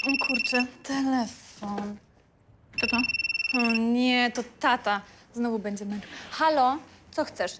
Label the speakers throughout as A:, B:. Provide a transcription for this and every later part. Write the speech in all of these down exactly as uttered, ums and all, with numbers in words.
A: O kurczę, telefon.
B: Kto to?
A: O nie, to tata. Znowu będzie męczył. Halo, co chcesz?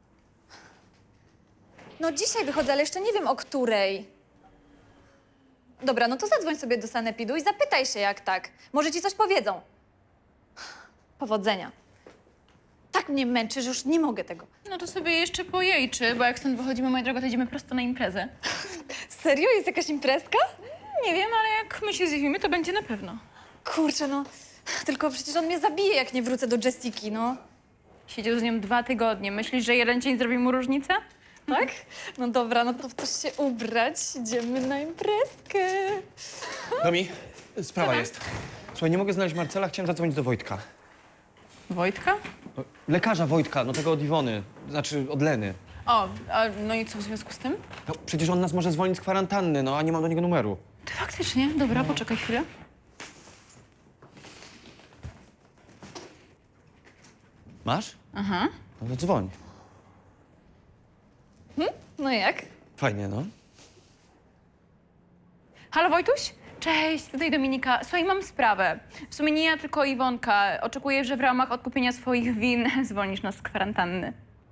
A: No dzisiaj wychodzę, ale jeszcze nie wiem o której. Dobra, no to zadzwoń sobie do sanepidu i zapytaj się jak tak. Może ci coś powiedzą. Powodzenia. Tak mnie męczy, że już nie mogę tego.
B: No to sobie jeszcze pojejczy, bo jak stąd wychodzimy, moja droga, to idziemy prosto na imprezę.
A: Serio? Jest jakaś imprezka?
B: Nie wiem, ale jak my się zjawimy, to będzie na pewno.
A: Kurczę, no. Tylko przecież on mnie zabije, jak nie wrócę do Jessiki, no.
B: Siedział z nią dwa tygodnie. Myślisz, że jeden dzień zrobi mu różnicę?
A: Tak? No dobra, no to w coś się ubrać. Idziemy na imprezkę.
C: Domi, sprawa jest. Słuchaj, nie mogę znaleźć Marcela, chciałem zadzwonić do Wojtka.
B: Wojtka?
C: No, lekarza Wojtka, no tego od Iwony, znaczy od Leny.
B: O, a no i co w związku z tym?
C: No, przecież on nas może zwolnić z kwarantanny, no a nie mam do niego numeru.
B: Ty faktycznie? Dobra, poczekaj chwilę.
C: Masz?
B: Aha.
C: No to dzwoń.
A: No jak?
C: Fajnie, no.
B: Halo, Wojtuś? Cześć, tutaj Dominika. Słuchaj, mam sprawę. W sumie nie ja, tylko Iwonka. Oczekuję, że w ramach odkupienia swoich win zwolnisz nas z kwarantanny.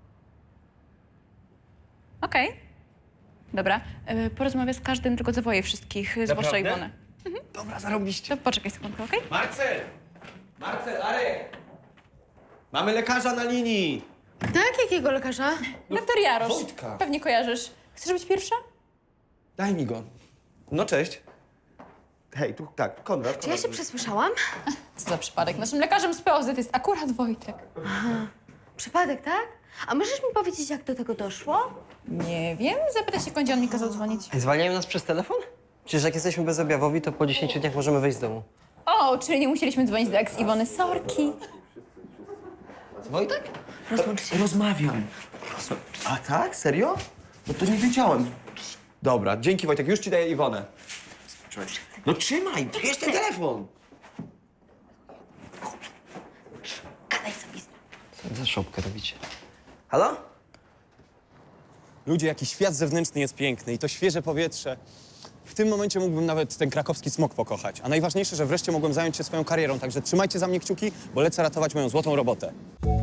B: Okej. Dobra. Y, porozmawiam z każdym, tylko zawoję wszystkich, zwłaszcza
C: Naprawdę?
B: Iwonę.
C: Dobra, zarobiście.
B: To poczekaj sekundkę, okej?
C: Marcel! Marcel, Arek! Mamy lekarza na linii!
D: Tak? Jakiego lekarza?
B: Doktor Jarosz.
C: Wojtka.
B: Pewnie kojarzysz. Chcesz być pierwsza?
C: Daj mi go. No cześć. Hej, tu tak, Konrad.
D: Czy ja się przesłyszałam?
B: Co za przypadek. Naszym lekarzem z P O Z jest akurat Wojtek.
D: Przypadek, tak? A możesz mi powiedzieć, jak do tego doszło?
B: Nie wiem. Zapytaj się, kądzie on mi kazał dzwonić.
E: Zwalniają nas przez telefon? Przecież jak jesteśmy bezobjawowi, to po dziesięciu dniach możemy wyjść z domu.
B: O, czyli nie musieliśmy dzwonić do ex Iwony. Sorki.
E: Wojtek?
C: Rozmawiam. A tak? Serio? No to nie wiedziałem. Dobra, dzięki Wojtek, już ci daję Iwonę. No trzymaj, bierz ten telefon.
D: Gadaj sobie z nim.
E: Co za szopkę robicie? Halo?
F: Ludzie, jaki świat zewnętrzny jest piękny i to świeże powietrze. W tym momencie mógłbym nawet ten krakowski smog pokochać. A najważniejsze, że wreszcie mogłem zająć się swoją karierą, także trzymajcie za mnie kciuki, bo lecę ratować moją złotą robotę.